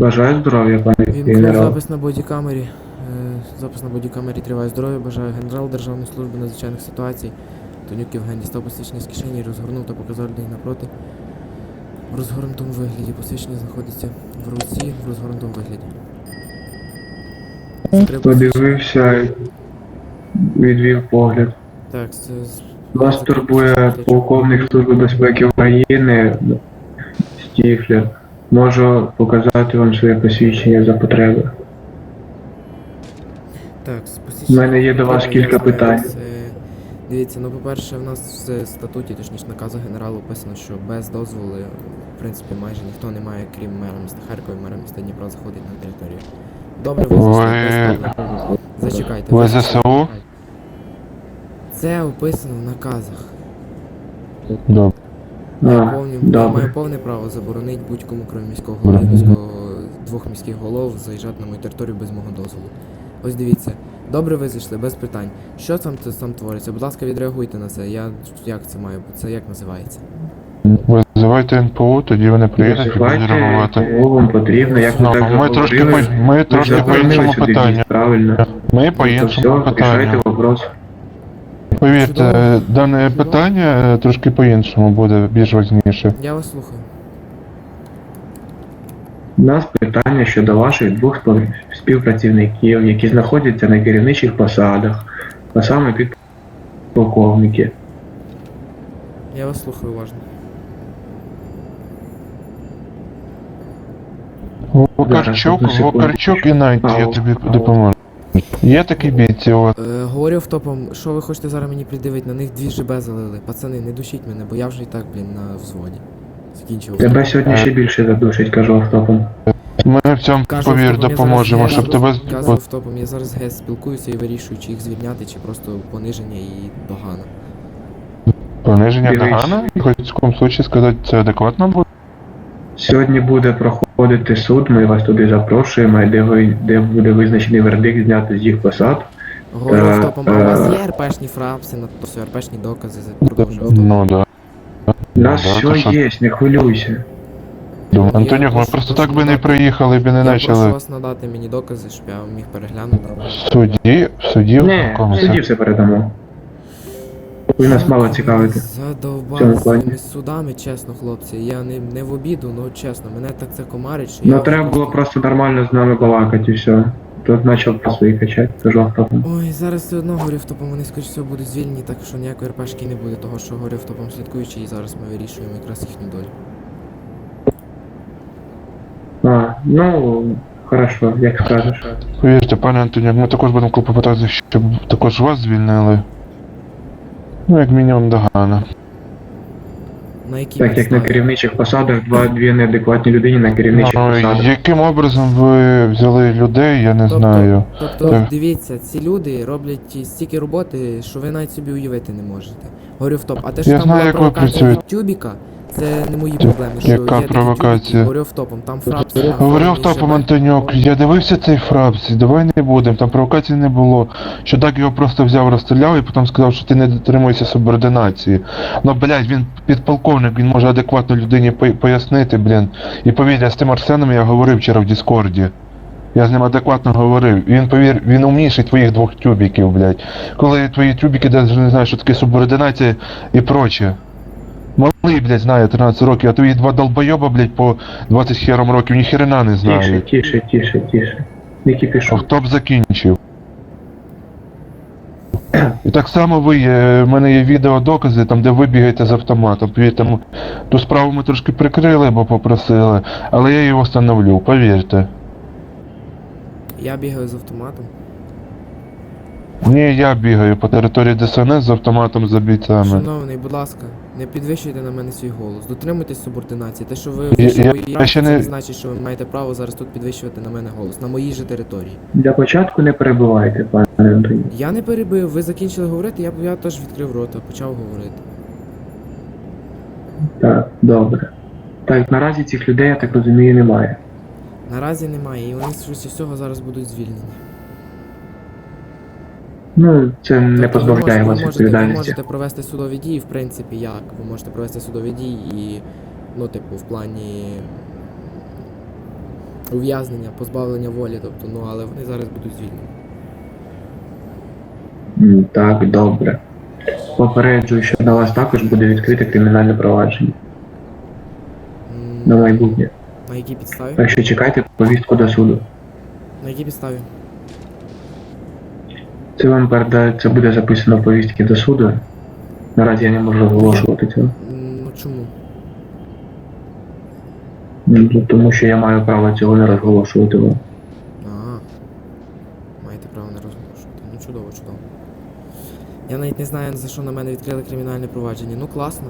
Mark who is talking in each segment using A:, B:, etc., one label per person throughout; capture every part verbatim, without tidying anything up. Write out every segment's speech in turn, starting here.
A: Бажаю здоров'я, пане
B: Вімкнув
A: генерал.
B: запис на бодікамері. Е, Запис на бодікамері триває здоров'я. Бажаю генерал Державної служби надзвичайних ситуацій. Тонюк Євген дістав посвідчення з кишені, розгорнув та показав людей напроти. В розгорнутому вигляді. Посвідчення знаходиться в руці в розгорнутому вигляді. Скрип-
A: Подивився, відвів погляд.
B: Так, це... з-
A: Вас турбує полковник Служби безпеки України Стіфлер. Можу показати вам своє посвідчення за потреби.
B: Так, з
A: У
B: посвідчення...
A: мене є до вас
B: Я
A: кілька
B: знаю,
A: питань.
B: це- Дивіться, ну по-перше, в нас в статуті, точніше наказах генералу описано, що без дозволу, в принципі, майже ніхто не має, крім мера міста Харкова і мера міста Дніпра, заходить на територію. Добре, ви зайшли без дозволу. Зачекайте.
C: Ви
B: зайшли.
C: ЗСУ?
B: Це описано в наказах.
C: Добре.
B: Я,
A: А,
B: повні, я
A: добре.
B: маю повне право заборонити будь-кому, крім міського голови, міського, двох міських голов, заїжджати на мою територію без мого дозволу. Ось дивіться. Добре ви зайшли, без питань. Що там там твориться? Будь ласка, відреагуйте на це. Я... Як це має бути? Це як називається?
C: Визивайте ен пе о, тоді вони приїдуть і будуть
A: Визивайте,
C: реагувати.
A: кого вам потрібно, як ви
C: Ну,
A: так
C: ми трошки
A: заговорили.
C: по, ми
A: Ви
C: трошки по
A: заборонили
C: іншому
A: сюди
C: питанню.
A: в'їзд, правильно.
C: Ми по
A: То
C: іншому
A: все, рішайте
C: питанню.
A: вопрос.
C: Повірте, дане питання е, трошки по іншому буде, більш важніше.
B: Я вас слухаю.
A: У нас питання щодо ваших двох спов- співпрацівників, які знаходяться на керівничих посадах, а саме підполковники.
B: Я вас слухаю уважно.
C: Вокарчук,
A: одну секунду.
C: Вокарчук і Найт,
A: А,
C: я
A: о.
C: тобі допоможу. Є такі бійці, от.
B: Е, говорю автопом, що ви хочете зараз мені придивити? На них дві ЖБ залили. Пацани, не душіть мене, бо я вже і так, блін, на взводі. Закінчив.
A: Тебе сьогодні ще більше задушить, кажу автопом.
C: Ми в цьому,
B: Кажу
C: повір,
B: автопом, я
C: допоможемо,
B: зараз
C: щоб
B: гес-
C: тебе...
B: Кажу автопом, я зараз гес спілкуюся і вирішую, чи їх звільняти, чи просто пониження і догана.
C: Пониження
A: Дивись.
C: догана? Хоч в якому случаї сказати, це адекватно буде?
A: Сьогодні буде проходити суд, ми вас туди запрошуємо, де, ви, де буде визначений вердикт зняти з їх посад.
B: Говорю
A: Е,
B: автопом, а у вас
A: е.
B: є РПшні фрапси, на то все, РПшні докази, продовжую автопом.
C: Ну да.
A: У нас
C: Ну, да, то
A: все
C: що?
A: є, не хвилюйся.
C: Думаю,
B: Я
C: Антонюк, ми
B: прошу-
C: просто
B: прошу
C: так би не
B: надати-
C: приїхали, б і не
B: Я прошу
C: почали.
B: вас надати мені докази, щоб я міг переглянути.
C: В суді, в суді, в
A: Не,
C: якому
A: тоді
C: це?
A: все передамо. Ви нас мало цікавите.
B: Задовбали
A: цьому
B: з
A: плані.
B: цими судами, чесно, хлопці. Я не, не в обіду, ну чесно, мене так це комарить, що
A: Ну
B: я
A: треба
B: вже
A: було просто нормально з нами балакати і все. Тут почав про свої качати, кажу автопом.
B: Ой, зараз все одно говорю автопом, вони скоріш всього будуть звільнені, так що ніякої РПшки не буде, того що говорю автопом слідкуючи, і зараз ми вирішуємо якраз їхню долю.
A: А, ну, хорошо, як скажеш.
C: Повірте, пане Антонюк, ми також будемо клопотати, щоб також вас звільнили. Ну, як мінімум, догана.
B: На якій
A: Так як на
B: підставі?
A: керівничих посадах два дві неадекватні людині на керівничих
C: Ну,
A: посадах.
C: яким образом ви взяли людей, я не
B: Тобто-
C: знаю.
B: Тобто,
C: Так.
B: дивіться, ці люди роблять стільки роботи, що ви навіть собі уявити не можете. Говорю в топ. А те, що
C: Я
B: там
C: знаю,
B: була
C: як ви
B: провокація від
C: працюєте.
B: тюбіка, це не мої проблеми. Що
C: Яка
B: є такі
C: провокація?
B: тюбіки, говорю в топом, там фрапс.
C: Говорив топом Антонюк, я дивився цей фрапс, давай не будемо, там провокації не було. Що так його просто взяв, розстріляв і потім сказав, що ти не дотримуєшся субординації. Ну, блядь, він підполковник, він може адекватно людині по- пояснити, блін. І повір, я з тим Арсеном я говорив вчора в Діскорді. Я з ним адекватно говорив. Він, повір, він умніший твоїх двох тюбіків, блядь. Коли твої тюбіки навіть не знають, що таке субординація і проче. Малий, блядь, знає тринадцять років, а твої два долбойоба, блядь, по двадцять хером років, ні хрена не
A: Тише,
C: знають.
A: тише, тише, тише. Не кипішу.
C: Хто б закінчив. І так само ви, є, в мене є відеодокази, там де ви бігаєте з автоматом. Повірте, м- ту справу ми трошки прикрили, бо попросили, але я її встановлю, повірте.
B: Я бігаю з автоматом.
C: Ні, я бігаю по території Де Ес Ен Ес з автоматом за бійцями.
B: Шановний, будь ласка, не підвищуйте на мене свій голос. Дотримуйтесь субординації. Те, що ви
C: Я-
B: вийшли
C: я-
B: в моїй
C: я ще
B: це
C: не-
B: не значить, що ви маєте право зараз тут підвищувати на мене голос. На моїй же території.
A: Для початку не перебувайте, пане Антоні.
B: Я не перебив, ви закінчили говорити, я, я теж відкрив рота, почав говорити.
A: Так, добре. Так, наразі цих людей, я так розумію, немає.
B: Наразі немає, і вони з всього зараз будуть звільнені.
A: Ну, це не
B: Тобто ви
A: позбавляє
B: можете-
A: вас
B: ви можете, ви
A: відповідальності.
B: можете провести судові дії, в принципі, як? Ви можете провести судові дії і, ну, типу, в плані ув'язнення, позбавлення волі, тобто, ну але вони зараз будуть звільнені.
A: М, Так, добре. Попереджую, що на вас також буде відкрите кримінальне провадження
B: М,
A: на майбутнє.
B: На якій підставі?
A: Так що чекайте повістку до суду.
B: На якій підставі?
A: Це вам передає, це буде записано в повістці до суду. Наразі я не можу оголошувати цього.
B: М, Ну чому?
A: М, Тому що я маю право цього не розголошувати вам.
B: Ага. Маєте право не розголошувати. Ну чудово, чудово. Я навіть не знаю, за що на мене відкрили кримінальне провадження. Ну класно.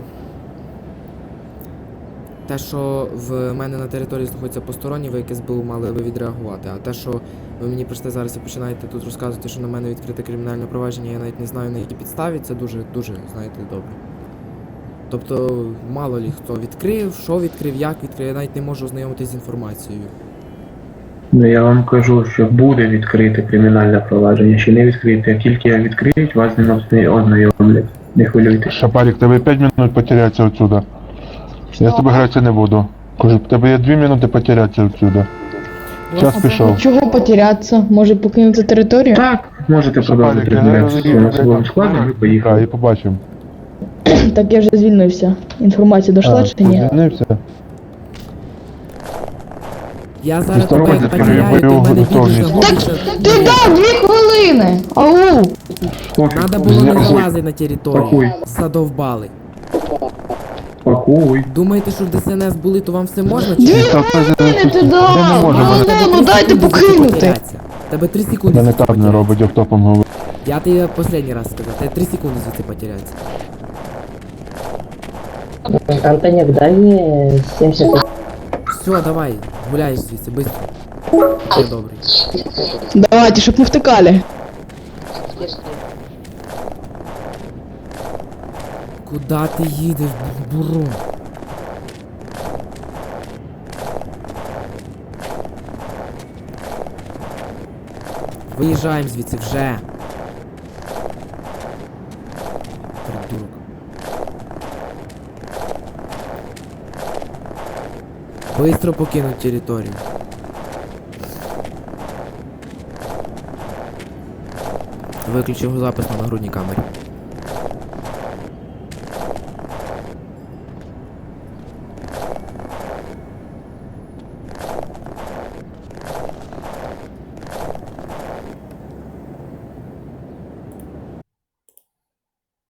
B: Те, що в мене на території знаходяться посторонні, ви як СБУ мали би відреагувати. А те, що ви мені прийшли зараз і починаєте тут розказувати, що на мене відкрите кримінальне провадження, я навіть не знаю на якій підставі, це дуже, дуже, знаєте, добре. Тобто, мало лі хто відкрив, що відкрив, як відкрив, я навіть не можу ознайомитися з інформацією.
A: Ну я вам кажу, що буде відкрите кримінальне провадження, ще не відкрите. Як тільки відкриють, вас з ним озна- ознайомлять. Не хвилюйтесь.
C: Шапарик, тебе п'ять минут потеряться отсюда. Я з тобою гратися не буду. Кажу, в тебе є дві минути потеряться отсюда. Час пішов.
D: Чого потеряться? Може покинути територію?
A: Так, можете продовжити
C: Шапарик,
A: розмовляти зі своїм особовим складом і поїхали.
C: І побачимо.
D: Так я вже звільнився. Інформація дошла чи ні?
C: Звільнився?
B: Я зараз
C: Здорово,
B: тебе
C: дядько,
B: потеряю,
C: я
B: ти в мене
C: бойову
B: підеш
C: готовність.
B: загубишся.
D: Ти дав дві хвилини! Ау!
A: Пофіг,
B: Надо було не
A: пакуй,
B: залазити на територію.
A: Пакуй.
B: Задовбали.
A: Пакуй.
B: Думаєте, що в ДСНС були, то вам все можна? Чи
D: Дві
B: ні?
D: хвилини ти
C: Я не
D: дав!
C: можу,
D: Ну,
C: мене-
D: ну, дайте
B: секунди
D: покинути!
B: потеряться. Тебе три секунди
C: Мене
B: звідси
C: так не
B: потеряться.
C: робить, автопом говорить.
B: Я тобі останній раз сказав, тебе три секунди звідси потеряться.
E: Антонюк, дай мне семьдесят.
B: Все, давай, гуляй звідси, быстро. Все добре.
D: Давайте, щоб не втикали.
B: Куда ти їдеш, бурун? Виїжджаємо звідси вже. Придурок. Быстро покинуть територію. Виключив запис на нагрудній камері.